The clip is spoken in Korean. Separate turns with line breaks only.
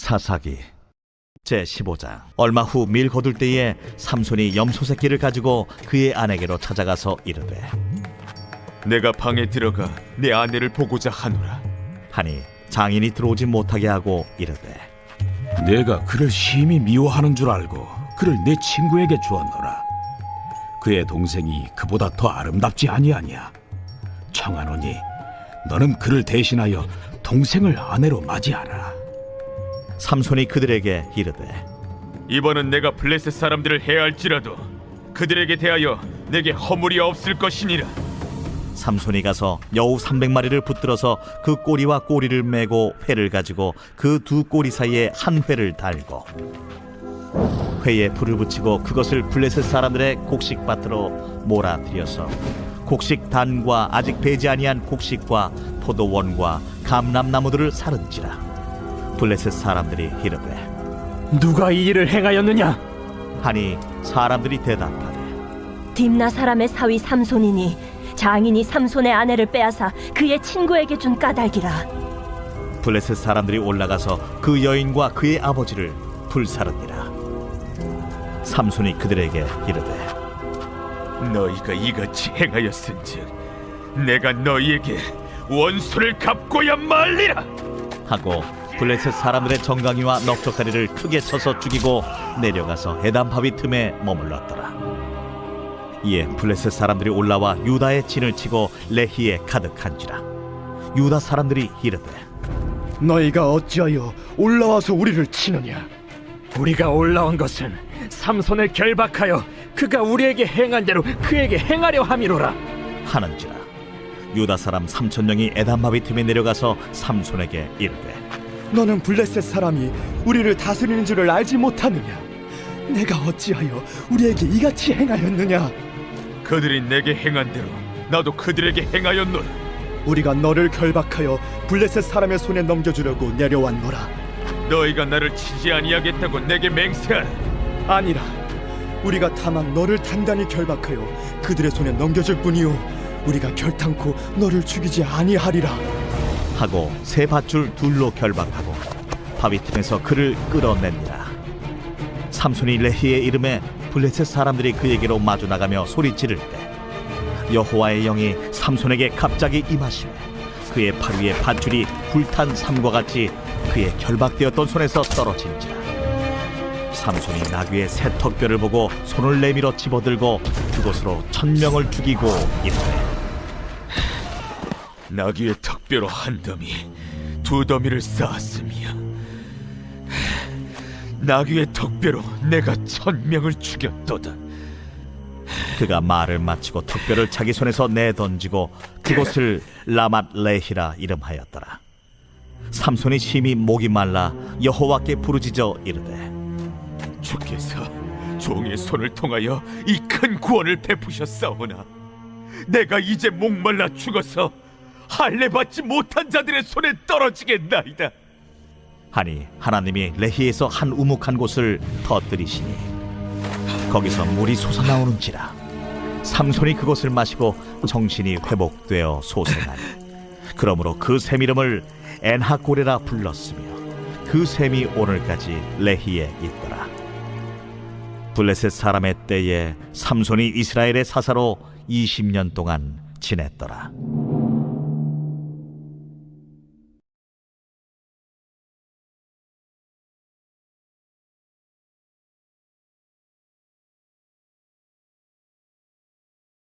사사기 제15장. 얼마 후 밀 거둘 때에 삼손이 염소 새끼를 가지고 그의 아내에게로 찾아가서 이르되,
내가 방에 들어가 내 아내를 보고자 하노라.
하니 장인이 들어오지 못하게 하고 이르되,
내가 그를 심히 미워하는 줄 알고 그를 내 친구에게 주었노라. 그의 동생이 그보다 더 아름답지 아니하냐. 청하노니 너는 그를 대신하여 동생을 아내로 맞이하라.
삼손이 그들에게 이르되,
이번은 내가 블레셋 사람들을 해할지라도 그들에게 대하여 내게 허물이 없을 것이니라.
삼손이 가서 여우 300마리를 붙들어서 그 꼬리와 꼬리를 메고 회를 가지고 그 두 꼬리 사이에 한 회를 달고 회에 불을 붙이고 그것을 블레셋 사람들의 곡식밭으로 몰아들여서 곡식 단과 아직 배지 아니한 곡식과 포도원과 감람나무들을 사른지라. 블레셋 사람들이 이르되,
누가 이 일을 행하였느냐?
하니 사람들이 대답하되,
딥나 사람의 사위 삼손이니 장인이 삼손의 아내를 빼앗아 그의 친구에게 준 까닭이라.
블레셋 사람들이 올라가서 그 여인과 그의 아버지를 불사르니라. 삼손이 그들에게 이르되,
너희가 이같이 행하였은즉 내가 너희에게 원수를 갚고야 말리라.
하고 블레셋 사람들의 정강이와 넉적다리를 크게 쳐서 죽이고 내려가서 에담 바위 틈에 머물렀더라. 이에 블레셋 사람들이 올라와 유다의 진을 치고 레히에 가득한지라. 유다 사람들이 이르되,
너희가 어찌하여 올라와서 우리를 치느냐? 우리가 올라온 것은 삼손을 결박하여 그가 우리에게 행한 대로 그에게 행하려 함이로라.
하는지라. 유다 사람 3,000명이 에담 바위 틈에 내려가서 삼손에게 이르되,
너는 블레셋 사람이 우리를 다스리는 줄을 알지 못하느냐? 내가 어찌하여 우리에게 이같이 행하였느냐?
그들이 내게 행한 대로 나도 그들에게 행하였노라.
우리가 너를 결박하여 블레셋 사람의 손에 넘겨주려고 내려왔노라.
너희가 나를 치지 아니하겠다고 내게 맹세하라.
아니라 우리가 다만 너를 단단히 결박하여 그들의 손에 넘겨줄 뿐이요 우리가 결탄코 너를 죽이지 아니하리라.
하고 세 밧줄 둘로 결박하고 바위 틈에서 그를 끌어내니라. 삼손이 레히에 이름에 블레셋 사람들이 그에게로 마주 나가며 소리 지를 때 여호와의 영이 삼손에게 갑자기 임하시매 그의 팔 위에 밧줄이 불탄 삼과 같이 그의 결박되었던 손에서 떨어진지라. 삼손이 나귀의 새 턱뼈를 보고 손을 내밀어 집어들고 그곳으로 1,000명을 죽이고 이르되,
나귀의 턱뼈로 한 더미, 두 더미를 쌓았으며 나귀의 턱뼈로 내가 1,000명을 죽였도다.
그가 말을 마치고 턱뼈를 자기 손에서 내던지고 그곳을 라맛 레히라 이름하였더라. 삼손이 심히 목이 말라 여호와께 부르짖어 이르되,
주께서 종의 손을 통하여 이 큰 구원을 베푸셨사오나 내가 이제 목말라 죽어서 할례 받지 못한 자들의 손에 떨어지겠나이다.
하니 하나님이 레히에서 한 우묵한 곳을 터뜨리시니 거기서 물이 솟아나오는지라. 삼손이 그것을 마시고 정신이 회복되어 소생하니 그러므로 그 샘 이름을 엔하고레라 불렀으며 그 샘이 오늘까지 레히에 있더라. 블레셋 사람의 때에 삼손이 이스라엘의 사사로 20년 동안 지냈더라.